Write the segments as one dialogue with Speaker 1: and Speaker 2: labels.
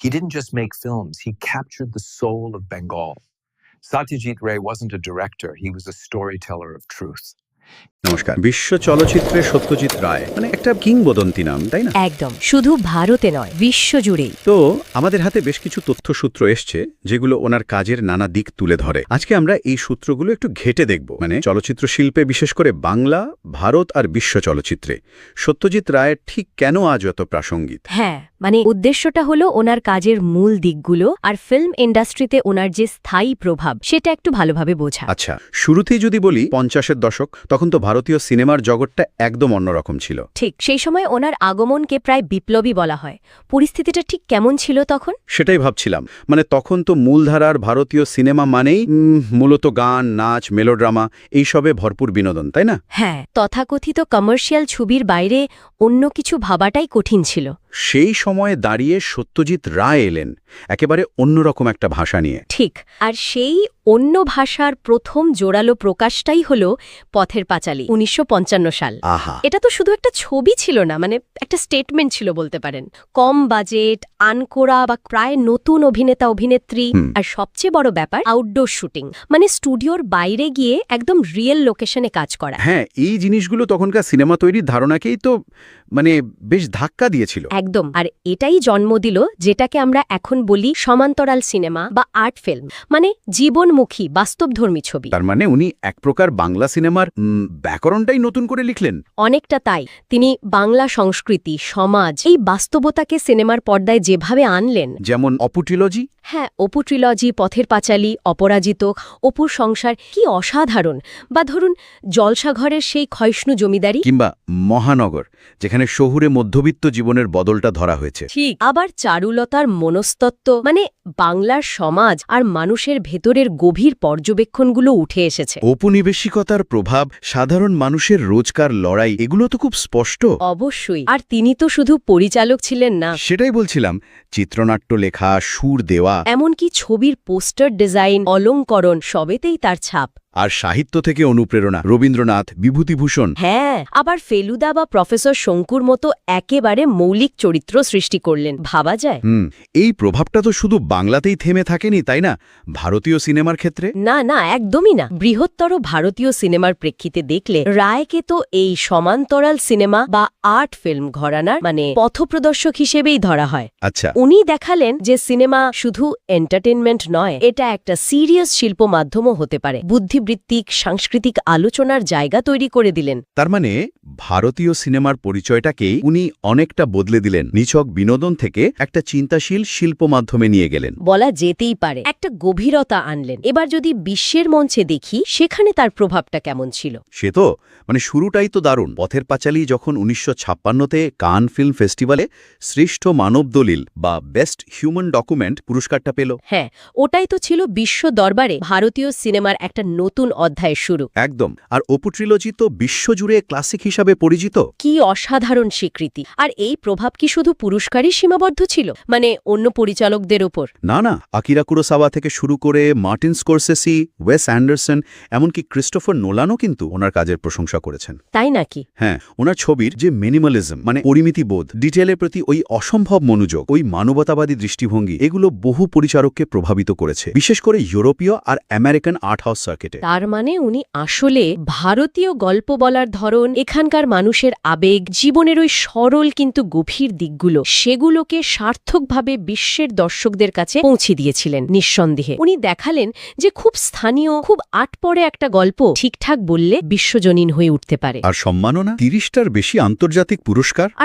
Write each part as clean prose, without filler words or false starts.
Speaker 1: He didn't just make films, he captured the soul of Bengal. Satyajit Ray wasn't a director, he was a storyteller of truth.
Speaker 2: নমস্কার। বিশ্ব চলচ্চিত্রে সত্যজিৎ রায় মানে একটা কিংবদন্তি নাম, তাই না?
Speaker 3: একদম, শুধু ভারতে নয়, বিশ্বজুড়েই।
Speaker 2: তো আমাদের হাতে বেশ কিছু তথ্যসূত্র এসছে যেগুলো ওনার কাজের নানা দিক তুলে ধরে। আজকে আমরা এই সূত্রগুলো একটু ঘেঁটে দেখব, মানে চলচ্চিত্র শিল্পে, বিশেষ করে বাংলা, ভারত আর বিশ্ব চলচ্চিত্রে সত্যজিৎ রায়ের ঠিক কেন আজ এত প্রাসঙ্গিক।
Speaker 3: হ্যাঁ, মানে উদ্দেশ্যটা হলো ওনার কাজের মূল দিকগুলো আর ফিল্ম ইন্ডাস্ট্রিতে ওনার যে স্থায়ী প্রভাব সেটা একটু ভালোভাবে বোঝা।
Speaker 2: আচ্ছা, শুরুতেই যদি বলি 50-এর দশক, তখন তো ভারতীয় সিনেমার জগৎটা একদম অন্যরকম ছিল।
Speaker 3: ঠিক সেই সময় ওনার আগমনকে প্রায় বিপ্লবী বলা হয়। পরিস্থিতিটা ঠিক কেমন ছিল তখন?
Speaker 2: সেটাই ভাবছিলাম, মানে তখন তো মূলধারার ভারতীয় সিনেমা মানেই মূলত গান, নাচ, মেলোড্রামা এইসবে ভরপুর বিনোদন, তাই না?
Speaker 3: হ্যাঁ, তথাকথিত কমার্শিয়াল ছবির বাইরে অন্য কিছু ভাবাটাই কঠিন ছিল।
Speaker 2: সেই সময়ে দাঁড়িয়ে সত্যজিৎ রায় এলেন একেবারে অন্যরকম একটা ভাষা নিয়ে।
Speaker 3: ঠিক, আর সেই অন্য ভাষার প্রথম জোরালো প্রকাশটাই হল পথের পাঁচালী, 1955 সাল।
Speaker 2: আহা,
Speaker 3: এটা তো শুধু একটা ছবি ছিল না, মানে একটা স্টেটমেন্ট ছিল বলতে পারেন। কম বাজেট, আনকোরা বা প্রায় নতুন অভিনেতা অভিনেত্রী, আর সবচেয়ে বড় ব্যাপার আউটডোর শুটিং, মানে স্টুডিওর বাইরে গিয়ে একদম রিয়েল লোকেশনে কাজ করা।
Speaker 2: হ্যাঁ, এই জিনিসগুলো তখনকার সিনেমা তৈরির ধারণাকেই তো মানে বেশ ধাক্কা দিয়েছিল।
Speaker 3: একদম, আর এটাই জন্ম দিল যেটাকে আমরা এখন বলি সমান্তরাল সিনেমা বা আর্ট ফিল্ম, মানে জীবনমুখী বাস্তবধর্মী ছবি।
Speaker 2: তার মানে উনি এক প্রকার বাংলা সিনেমার ব্যাকরণটাই নতুন করে লিখলেন।
Speaker 3: অনেকটা তাই। তিনি বাংলা সংস্কৃতি, সমাজ, এই বাস্তবতাকে সিনেমার পর্দায় যেভাবে আনলেন,
Speaker 2: যেমন অপু ট্রিলজি।
Speaker 3: হ্যাঁ, অপু ট্রিলজি, পথের পাঁচালী, অপরাজিত, অপুর সংসার কি অসাধারণ। বা ধরুন জলসাঘরের সেই ক্ষয়ষ্ণু জমিদারি,
Speaker 2: কিংবা মহানগর, যেখানে শহুরে মধ্যবিত্ত জীবনের বদলটা ধরা হয়েছে।
Speaker 3: ঠিক, আবার চারুলতার মনস্তত্ত্ব, মানে বাংলার সমাজ আর মানুষের ভেতরের গভীর পর্যবেক্ষণগুলো উঠে এসেছে।
Speaker 2: ঔপনিবেশিকতার প্রভাব, সাধারণ মানুষের রোজকার লড়াই, এগুলো তো খুব স্পষ্ট।
Speaker 3: অবশ্যই, আর তিনি তো শুধু পরিচালক ছিলেন না,
Speaker 2: সেটাই বলছিলাম, চিত্রনাট্য লেখা, সুর দেওয়া,
Speaker 3: এমনকি ছবির পোস্টার ডিজাইন, অলংকরণ, সবেতেই তার ছাপ।
Speaker 2: আর সাহিত্য থেকে অনুপ্রেরণা, রবীন্দ্রনাথ, বিভূতিভূষণ।
Speaker 3: হ্যাঁ, আবার ফেলুদা বা প্রফেসর শঙ্কুর মতো একেবারে মৌলিক চরিত্র সৃষ্টি করলেন, ভাবা যায়।
Speaker 2: এই প্রভাবটা তো শুধু বাংলাতেই থেমে থাকেনি, তাই না? ভারতীয় সিনেমার ক্ষেত্রে
Speaker 3: না না, একদমই না। বৃহত্তর ভারতীয় সিনেমার প্রেক্ষিতে দেখলে রায়কে তো এই সমান্তরাল সিনেমা বা আর্ট ফিল্ম ঘরানার মানে পথপ্রদর্শক হিসেবেই ধরা হয়।
Speaker 2: আচ্ছা,
Speaker 3: উনি দেখালেন যে সিনেমা শুধু এন্টারটেনমেন্ট নয়, এটা একটা সিরিয়াস শিল্প মাধ্যমও হতে পারে। বুদ্ধিবৃত্তিক, সাংস্কৃতিক আলোচনার জায়গা তৈরি করে দিলেন।
Speaker 2: তার মানে ভারতীয় সিনেমার পরিচয়টাকেই উনি অনেকটা বদলে দিলেন, নিছক বিনোদন থেকে একটা চিন্তাশীল শিল্প মাধ্যমে নিয়ে গেলেন।
Speaker 3: বলা যেতেই পারে একটা গভীরতা আনলেন। এবার যদি বিশ্বের মঞ্চে দেখি, সেখানে তার প্রভাবটা কেমন ছিল?
Speaker 2: সে তো মানে শুরুটাই তো দারুণ। পথের পাঁচালী যখন 1956-তে কান ফিল্ম ফেস্টিভ্যালে শ্রেষ্ঠ মানব দলিল বা বেস্ট হিউম্যান ডকুমেন্ট পুরস্কারটা পেল।
Speaker 3: হ্যাঁ, ওটাই তো ছিল বিশ্ব দরবারে ভারতীয় সিনেমার একটা নতুন অধ্যায়ের শুরু।
Speaker 2: একদম। আর অপু ট্রিলজি তো বিশ্বজুড়ে ক্লাসিক হিসাবে পরিচিত।
Speaker 3: কি অসাধারণ স্বীকৃতি! আর এই প্রভাব কি শুধু পুরস্কারই সীমাবদ্ধ ছিল, মানে অন্য পরিচালকদের ওপর?
Speaker 2: না না, আকিরা কুরোসাওয়া থেকে শুরু করে মার্টিন স্কোরসেসি, ওয়েস অ্যান্ডারসন, এমনকি ক্রিস্টোফার নোলানও কিন্তু ওনার কাজের প্রশংসা করেছেন।
Speaker 3: তাই নাকি?
Speaker 2: হ্যাঁ, ওনার ছবির যে মিনিমালিজম, মানে পরিমিতিবোধ, ডিটেলের প্রতি ওই অসম্ভব মনোযোগ, ওই মানবতাবাদী দৃষ্টিভঙ্গি, এগুলো বহু পরিচারককে প্রভাবিত করেছে, বিশেষ করে ইউরোপীয় আর আমেরিকান আর্ট হাউস সার্কিটে।
Speaker 3: তার মানে উনি আসলে ভারতীয় গল্প বলার ধরন, এখানকার মানুষের আবেগ, জীবনের ওই সরল কিন্তু গভীর দিকগুলো, সেগুলোকে সার্থকভাবে বিশ্বের দর্শকদের কাছে পৌঁছে দিয়েছিলেন। নিঃসন্দেহে উনি দেখালেন যে খুব স্থানীয়, খুব আটপরে একটা গল্প ঠিকঠাক বললে বিশ্বজনীন হয়ে উঠতে পারে।
Speaker 2: আর সম্মাননা 30টার বেশি আন্তর্জাতিক পুরস্কার,
Speaker 3: আর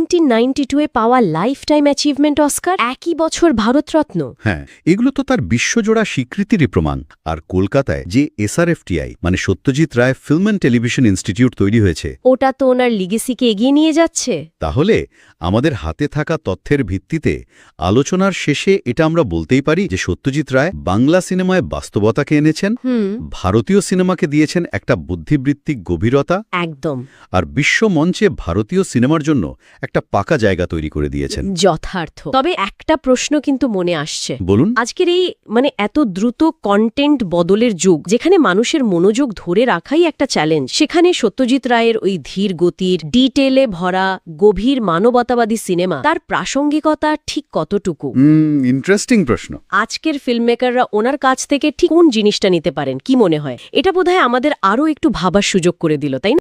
Speaker 3: 1992-এ পাওয়া লাইফ টাইম অ্যাচিভমেন্ট অস্কার, একই বছর ভারতরত্ন।
Speaker 2: হ্যাঁ, এগুলো তো তার বিশ্বজোড়া স্বীকৃতিরই প্রমাণ। আর কলকাতায় যে SRFTI মানে Satyajit Ray film and television institute তৈরি হয়েছে,
Speaker 3: ওটা তো ওনার লিগেসিকে এগিয়ে নিয়ে যাচ্ছে।
Speaker 2: তাহলে আমাদের হাতে থাকা তথ্যের ভিত্তিতে আলোচনার শেষে এটা আমরা বলতেই পারি যে সত্যজিৎ রায় বাংলা সিনেমায় বাস্তবতাকে এনেছেন, ভারতীয় সিনেমাকে দিয়েছেন একটা বুদ্ধিবৃত্তিক গভীরতা,
Speaker 3: একদম,
Speaker 2: আর বিশ্ব মঞ্চে ভারতীয় সিনেমার জন্য একটা পাকা জায়গা তৈরি করে দিয়েছেন।
Speaker 3: যথার্থ। তবে একটা প্রশ্ন কিন্তু মনে আসছে।
Speaker 2: বলুন।
Speaker 3: আজকের এই মানে এত দ্রুত কন্টেন্ট বদলের যুগ, যেখানে সেখানে মানুষের মনোযোগ ধরে রাখাই একটা চ্যালেঞ্জ। সেখানে সত্যজিৎ রায়ের ওই ধীর গতির, ডিটেলে ভরা, গভীর মানবতাবাদী সিনেমা, তার প্রাসঙ্গিকতা ঠিক কতটুকু?
Speaker 2: ইন্টারেস্টিং প্রশ্ন।
Speaker 3: আজকের ফিল্মমেকাররা ওনার কাছ থেকে ঠিক কোন জিনিসটা নিতে পারেন, কি মনে হয়? এটা বোধহয় আমাদের আরও একটু ভাবার সুযোগ করে দিল, তাই না?